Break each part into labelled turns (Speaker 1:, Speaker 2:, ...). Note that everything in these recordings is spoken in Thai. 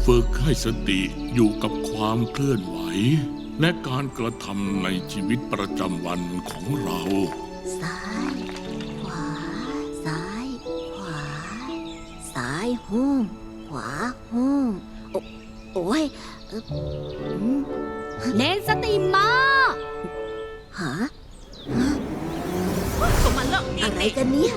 Speaker 1: ฝึกให้สติอยู่กับความเคลื่อนไหวและการกระทำในชีวิตประจำวันของเรา
Speaker 2: ซ้ายขวาซ้ายขวาซ้ายหุ้มขวาหุ้มโอ้ย
Speaker 3: เนสติมา
Speaker 2: หา
Speaker 4: ก็มันเลิกอี
Speaker 2: อะ
Speaker 4: ก
Speaker 2: ไร
Speaker 4: นี่
Speaker 2: กันเนี่ย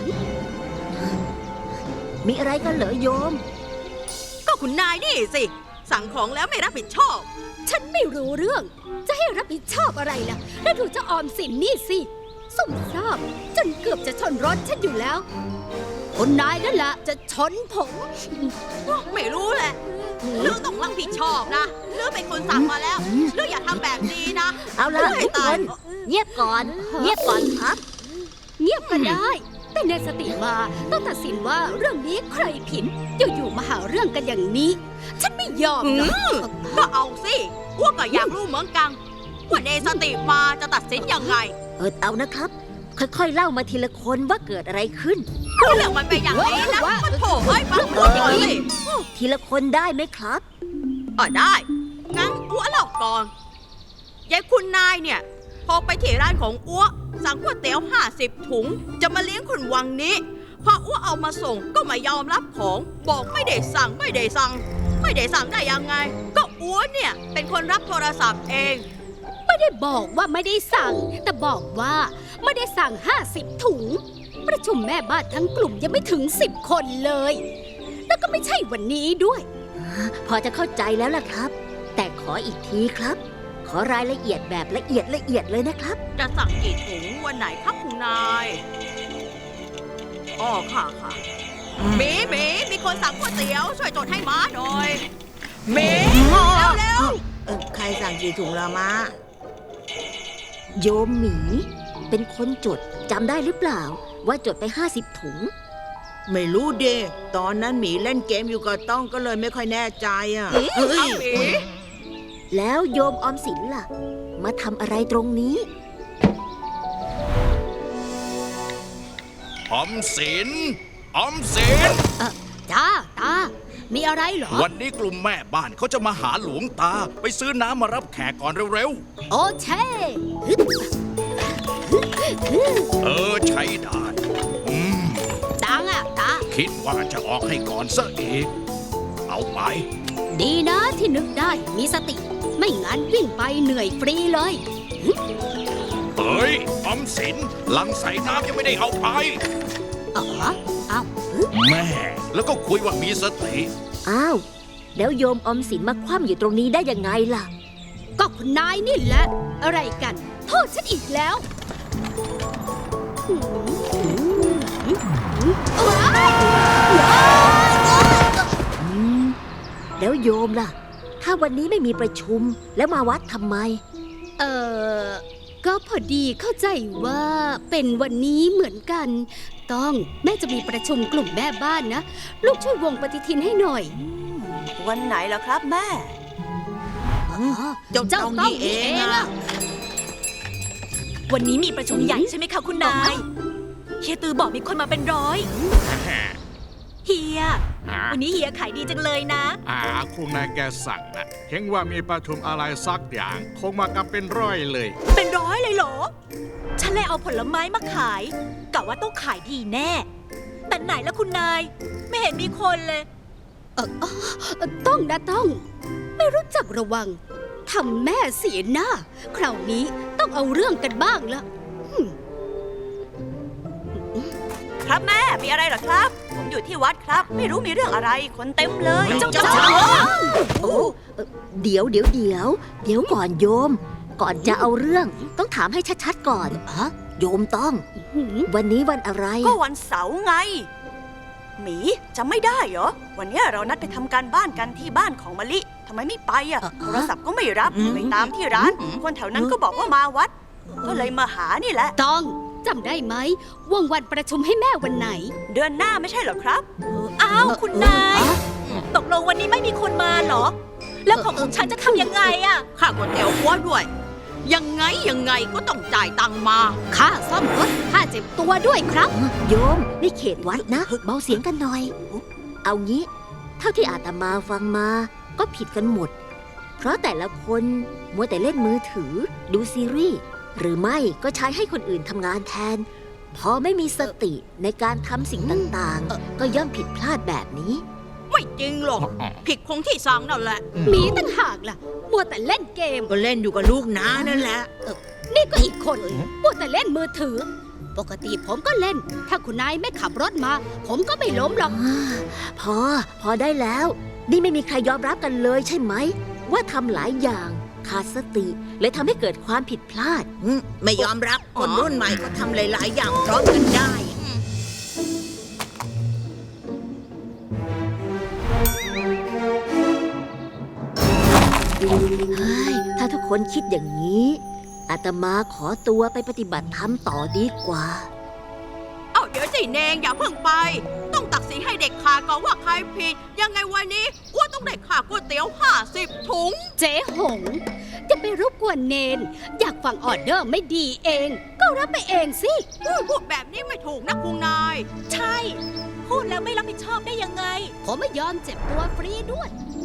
Speaker 2: มีอะไรกันเหรอโยม
Speaker 4: ก็คุณนายนี่สิ สั่งของแล้วไม่รับผิดชอบ
Speaker 3: ฉันไม่รู้เรื่อง จะให้รับผิดชอบอะไรล่ะ แล้วดูเจ้าออมสินนี่สิสุ่มซ่ามจนเกือบจะชนรถฉันอยู่แล้ว คนนายนั่นแหละจะชนผม
Speaker 4: ไม่รู้แหละเลือกต้องรับผิดชอบนะเลือกเป็นคนสั่งมาแล้วเลือกอย่าทำแบบนี้นะ
Speaker 2: เอาละ
Speaker 4: ให้
Speaker 2: ทุกค
Speaker 4: ตาย
Speaker 2: นเงียบก่อน เงียบก่อนครับ
Speaker 3: เงียบก็ได้ แต่เนสติมาต้องตัดสินว่าเรื่องนี้ใครผิดอยู่ๆมาหาเรื่องกันอย่างนี้ ฉันไม่ยอมหรอก
Speaker 4: ก็เอาสิอ้วกก็อยากรู้เหมือนกันว่าเนสติมาจะตัดสินยังไง
Speaker 2: เอานะครับ ค่อยๆเล่ามาทีละคนว่าเกิดอะไรขึ้น
Speaker 4: เรื่องมันเป็นอย่างนี้นะมันโถเอ้ยฟังพูดอย่างนี้
Speaker 2: ทีละคนได้ไหมครับ
Speaker 4: ได้งั้นอ้วเล่าก่อนยายคุณนายเนี่ยพอไปที่ร้านของอ้วสั่งก๋วยเตี๋ยว50 ถุงจะมาเลี้ยงคนวังนี้พออ้วเอามาส่งก็ไม่ยอมรับของบอกไม่ได้สั่งได้ยังไง ก็อ้วเนี่ยเป็นคนรับโทรศัพท์เอง
Speaker 3: ไม่ได้บอกว่าไม่ได้สั่ง แต่บอกว่าไม่ได้สั่ง50 ถุง ประชุมแม่บ้านทั้งกลุ่มยังไม่ถึง10 คนเลย แล้วก็ไม่ใช่วันนี้ด้วย
Speaker 2: พอจะเข้าใจแล้วล่ะครับ แต่ขออีกทีครับ ขอรายละเอียดแบบละเอียดเลยนะครับ
Speaker 4: จะสั่งกี่ถุงวันไหนครับคุณนายค่ะมีคนสั่งก๋วยเตี๋ยวช่วยจดให้ม้าหน่อยเร็ว
Speaker 5: ใครสั่งกี่ถุงละมา
Speaker 2: โยมหมีเป็นคนจดจำได้หรือเปล่า ว่าจดไป50 ถุง
Speaker 5: ไม่รู้เดตอนนั้นหมีเล่นเกมอยู่กับต้องก็เลยไม่ค่อยแน่ใจอ่ะ
Speaker 4: เอาหมี
Speaker 2: แล้วโยมออมสินล่ะ มาทำอะไรตรงนี้
Speaker 6: ออมสิน
Speaker 3: จ้าตา มีอะไรเหรอ
Speaker 6: วันนี้กลุ่มแม่บ้านเขาจะมาหาหลวงตา ไปซื้อน้ำมารับแขกก่อนเร็ว
Speaker 3: โอเช่
Speaker 6: ๆ ใช้ได้
Speaker 3: ตังอะตา
Speaker 6: คิดว่าจะออกให้ก่อนซะอีก เอาไป
Speaker 3: ดีนะที่นึกได้มีสติ ไม่งั้นวิ่งไปเหนื่อยฟรีเลย
Speaker 6: เฮ้ย ออมสินลังใส่น้ำยังไม่ได้เอาไป
Speaker 3: อ๋อเอา
Speaker 6: แม่ แล้วก็คุยว่ามีสติ
Speaker 2: อ้าว แล้วโยมออมสินมาคว่ำอยู่ตรงนี้ได้ยังไงล่ะ
Speaker 3: ก็คุณนายนี่แหละ อะไรกัน โทษฉันอีกแล้วว้าย
Speaker 2: แล้วโยมล่ะ ถ้าวันนี้ไม่มีประชุมแล้วมาวัดทำไม
Speaker 3: ก็พอดีเข้าใจว่าเป็นวันนี้เหมือนกัน ต้องแม่จะมีประชุมกลุ่มแม่บ้านนะ ลูกช่วยวงปฏิทินให้หน่อย
Speaker 5: วันไหนล่ะครับแม่
Speaker 3: เจ้าต้องนี่เองอะ
Speaker 7: วันนี้มีประชุมใหญ่ใช่ไหมคะคุณนายเฮียตือบอกมีคนมาเป็นร้อยเฮียวันนี้เฮียขายดีจังเลยนะ
Speaker 8: คุณนายแกสั่งนะเห็นว่ามีประชุมอะไรสักอย่าง คงมากันเป็นร้อยเลย
Speaker 7: เป็นร้อยเลยเหรอ ฉันเลยเอาผลไม้มาขายกะว่าต้องขายดีแน่ แต่ไหนละคุณนาย ไม่เห็นมีคนเลย
Speaker 3: ต้องนะต้อง ไม่รู้จักระวังทำแม่เสียหน้า คราวนี้ต้องเอาเรื่องกันบ้างละ
Speaker 7: ครับแม่มีอะไรเหรอครับ ผมอยู่ที่วัดครับ ไม่รู้มีเรื่องอะไร คนเต็มเลย
Speaker 3: เจ้า
Speaker 2: โอ้เดี๋ยวก่อนโยม ก่อนจะเอาเรื่องต้องถามให้ชัดๆก่อนโยมต้อง วันนี้วันอะไร
Speaker 7: ก็วันเสาร์ไง หมีจำไม่ได้เหรอ วันนี้เรานัดไปทำการบ้านกันที่บ้านของมะลิทำไมไม่ไปอ่ะโทรศัพท์ก็ไม่รับไปตามที่ร้าน คนแถวนั้นก็บอกว่ามาวัด ก็เลยมาหานี่แหละ
Speaker 3: ต้องจำได้ไหมว่างวันประชุมให้แม่วันไหน
Speaker 7: เดือนหน้าไม่ใช่เหรอครับ อ้าว คุณนาย ตกลงวันนี้ไม่มีคนมาเหรอ แล้วของฉันจะทำยังไงอะ
Speaker 4: ค่าก๋วยเตี๋ยวอ้วด้วย ยังไงก็ต้องจ่ายตังค์มา
Speaker 3: ค่าซ่อมรถค่าเจ็บตัวด้วยครับ
Speaker 2: โยมนี่เขตวัดนะเบาเสียงกันหน่อย เอางี้ เท่าที่อาตมาฟังมาก็ผิดกันหมด เพราะแต่ละคนมัวแต่เล่นมือถือดูซีรีส์หรือไม่ก็ใช้ให้คนอื่นทำงานแทน พอไม่มีสติในการทำสิ่งต่างๆ ก็ย่อมผิดพลาดแบบนี้
Speaker 4: ไม่จริงหรอก ผิดคงที่สั่งนั่นแหละ
Speaker 3: หมีต่างหากล่ะ มัวแต่เล่นเกม
Speaker 5: ก็เล่นอยู่กับลูกน้านั่นแหละ
Speaker 3: นี่ก็อีกคนมัวแต่เล่นมือถือ ปกติผมก็เล่น ถ้าคุณนายไม่ขับรถมา ผมก็ไม่ล้มหรอก
Speaker 2: พอได้แล้ว นี่ไม่มีใครยอมรับกันเลยใช่ไหม ว่าทำหลายอย่างขาดสติเลยทำให้เกิดความผิดพลาด
Speaker 5: ไม่ยอมรับคนรุ่นใหม่ก็ทำหลาย ๆ อย่างพร้อมกันได้
Speaker 2: เฮ้ย ถ้าทุกคนคิดอย่างนี้ อาตมาขอตัวไปปฏิบัติธรรมต่อดีกว่า
Speaker 4: เอาเดี๋ยวสิเนงอย่าเพิ่งไป ต้องตัดสินให้เด็กขาดก่อนว่าใครผิด ยังไงวันนี้อ้วนต้องได้ค่าก๋วยเตี๋ยว50 ถุง
Speaker 3: เจ๊หง จะไปรบกวนเนน อยากฟังออเดอร์ไม่ดีเอง ก็รับไปเองสิ
Speaker 4: พูดแบบนี้ไม่ถูกนะคุณนาย
Speaker 3: ใช่ พูดแล้วไม่รับผิดชอบได้ยังไง ผมไม่ยอมเจ็บตัวฟรีด้วย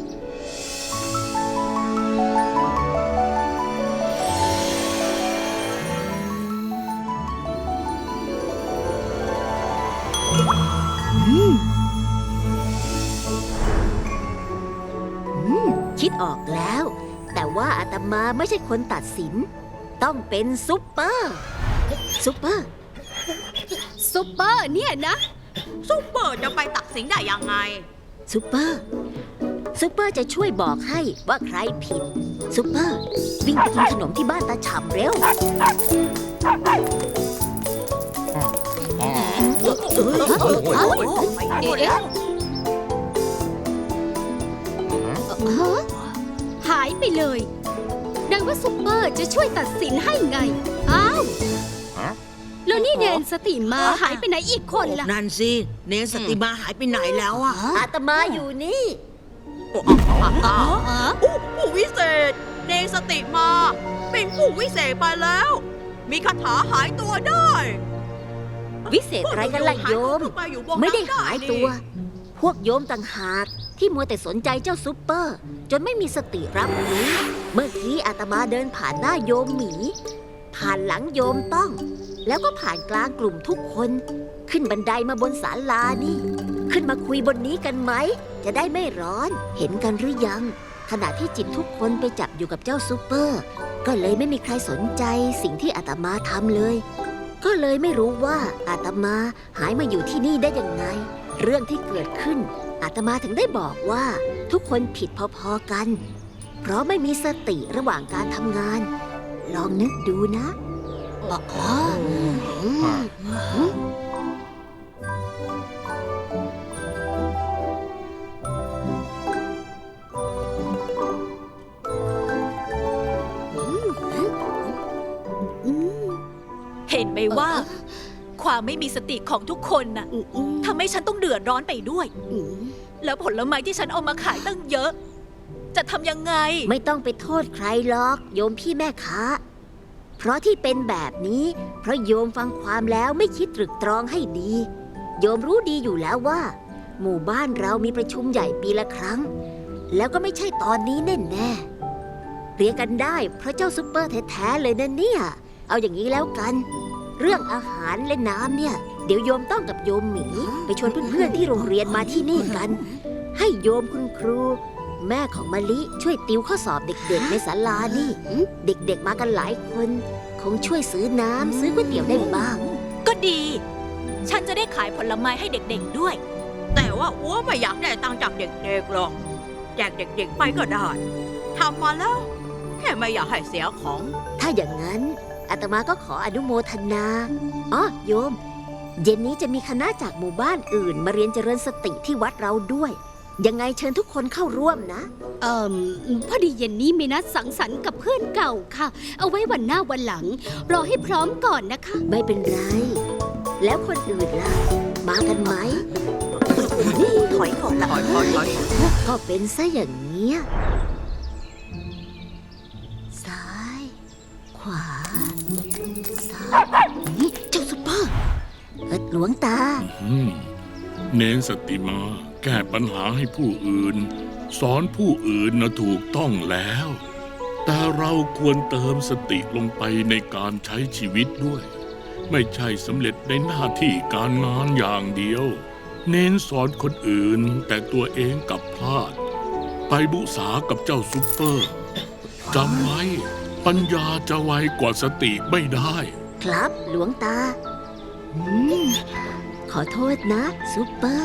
Speaker 2: คิดออกแล้ว แต่ว่าอาตมาไม่ใช่คนตัดสิน ต้องเป็นซุปเปอร์ ซุปเปอร์
Speaker 3: ซุปเปอร์เนี่ยนะ
Speaker 4: ซุปเปอร์จะไปตัดสินได้ยังไง
Speaker 2: ซุปเปอร์ ซุปเปอร์จะช่วยบอกให้ว่าใครผิด ซุปเปอร์ วิ่งไปกินขนมที่บ้านตาฉ่ำเร็ว
Speaker 3: หายไปเลยดังว่าซุปเปอร์จะช่วยตัดสินให้ไง อ้าว แล้วนี่เนนสติมาหายไปไหนอีกคนล่ะ
Speaker 5: นั่นสิ เนสติมาหายไปไหนแล้วอ่ะ
Speaker 2: อาตมาอยู่นี่
Speaker 4: ผู้วิเศษ เนสติมา เป็นผู้วิเศษไปแล้ว มีคาถาหายตัวได้
Speaker 2: วิเศษอะไรกันล่ะโยม ไม่ได้หายตัว พวกโยมต่างหากที่มัวแต่สนใจเจ้าซุปเปอร์ จนไม่มีสติรับรู้เมื่อกี้อาตมาเดินผ่านหน้าโยมหมี ผ่านหลังโยมต้อง แล้วก็ผ่านกลางกลุ่มทุกคน ขึ้นบันไดมาบนศาลานี่ ขึ้นมาคุยบนนี้กันไหม จะได้ไม่ร้อน เห็นกันหรือยัง ขณะที่จิตทุกคนไปจับอยู่กับเจ้าซุปเปอร์ ก็เลยไม่มีใครสนใจสิ่งที่อาตมาทำเลย ก็เลยไม่รู้ว่าอาตมาหายมาอยู่ที่นี่ได้ยังไง เรื่องที่เกิดขึ้น อาตมาถึงได้บอกว่าทุกคนผิดพอๆกัน เพราะไม่มีสติระหว่างการทำงาน ลองนึกดูนะ
Speaker 9: เห็นไหมว่า ความไม่มีสติของทุกคนน่ะทำให้ฉันต้องเดือดร้อนไปด้วย แล้วผลไม้ที่ฉันเอามาขายตั้งเยอะ จะทำยังไง
Speaker 2: ไม่ต้องไปโทษใครหรอกโยมพี่แม่ค้า เพราะที่เป็นแบบนี้ เพราะโยมฟังความแล้วไม่คิดตรึกตรองให้ดี โยมรู้ดีอยู่แล้วว่า หมู่บ้านเรามีประชุมใหญ่ปีละครั้ง แล้วก็ไม่ใช่ตอนนี้แน่ๆเรียกกันได้เพราะเจ้าซุปเปอร์แท้ๆเลยนะเนี่ย เอาอย่างนี้แล้วกัน เรื่องอาหารและน้ำเนี่ย เดี๋ยวโยมต้องกับโยมหมีไปชวนเพื่อนๆที่โรงเรียนมาที่นี่กัน ให้โยมคุณครู แม่ของมะลิช่วยติวข้อสอบเด็กๆในศาลานี่ เด็กๆมากันหลายคน คงช่วยซื้อน้ำซื้อก๋วยเตี๋ยวได้บ้าง
Speaker 9: ก็ดี ฉันจะได้ขายผลไม้ให้เด็กๆด้วย
Speaker 4: แต่ว่าอ้วไม่อยากได้ตังค์จากเด็กๆหรอก แจกเด็กๆไปก็ได้ทำมาแล้ว แค่ไม่อยากให้เสียของ
Speaker 2: ถ้าอย่างนั้นอาตมาก็ขออนุโมทนาอ๋อโยม เย็นนี้จะมีคณะจากหมู่บ้านอื่นมาเรียนเจริญสติที่วัดเราด้วย ยังไงเชิญทุกคนเข้าร่วมนะ
Speaker 3: พอดีเย็นนี้มีนัดสังสรรค์กับเพื่อนเก่าค่ะ เอาไว้วันหน้าวันหลัง รอให้พร้อมก่อนนะคะ
Speaker 2: ไม่เป็นไร แล้วคนอื่นล่ะ มากันไหม
Speaker 7: ถอยก่อนละ
Speaker 2: ก็เป็นซะอย่างเนี้ยซ้าย ขวา ซ้ายนี่เจ้าซุปเปอร์หลวงตา
Speaker 1: อืมเน้นสติมาแก้ปัญหาให้ผู้อื่น สอนผู้อื่นนะถูกต้องแล้ว แต่เราควรเติมสติลงไปในการใช้ชีวิตด้วย ไม่ใช่สำเร็จในหน้าที่การงานอย่างเดียว เน้นสอนคนอื่นแต่ตัวเองกลับพลาด ไปบุษากับเจ้าซุปเปอร์จำไว้ปัญญาจะไวกว่าสติไม่ได้
Speaker 2: ครับหลวงตา ขอโทษนะซุปเปอร์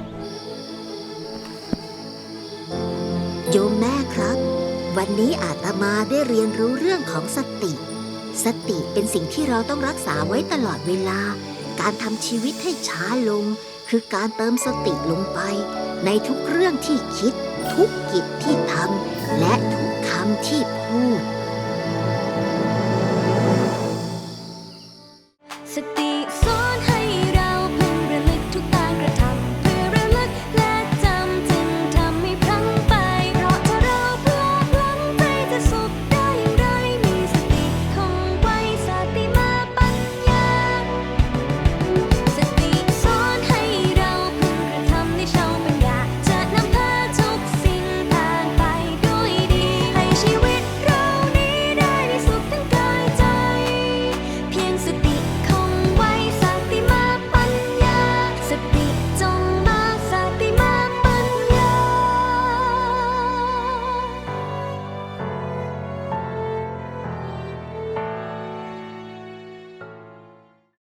Speaker 2: โยมแม่ครับ วันนี้อาตมาได้เรียนรู้เรื่องของสติ สติเป็นสิ่งที่เราต้องรักษาไว้ตลอดเวลา การทำชีวิตให้ช้าลง คือการเติมสติลงไป ในทุกเรื่องที่คิด ทุกกิจที่ทำและทุกคำที่พูด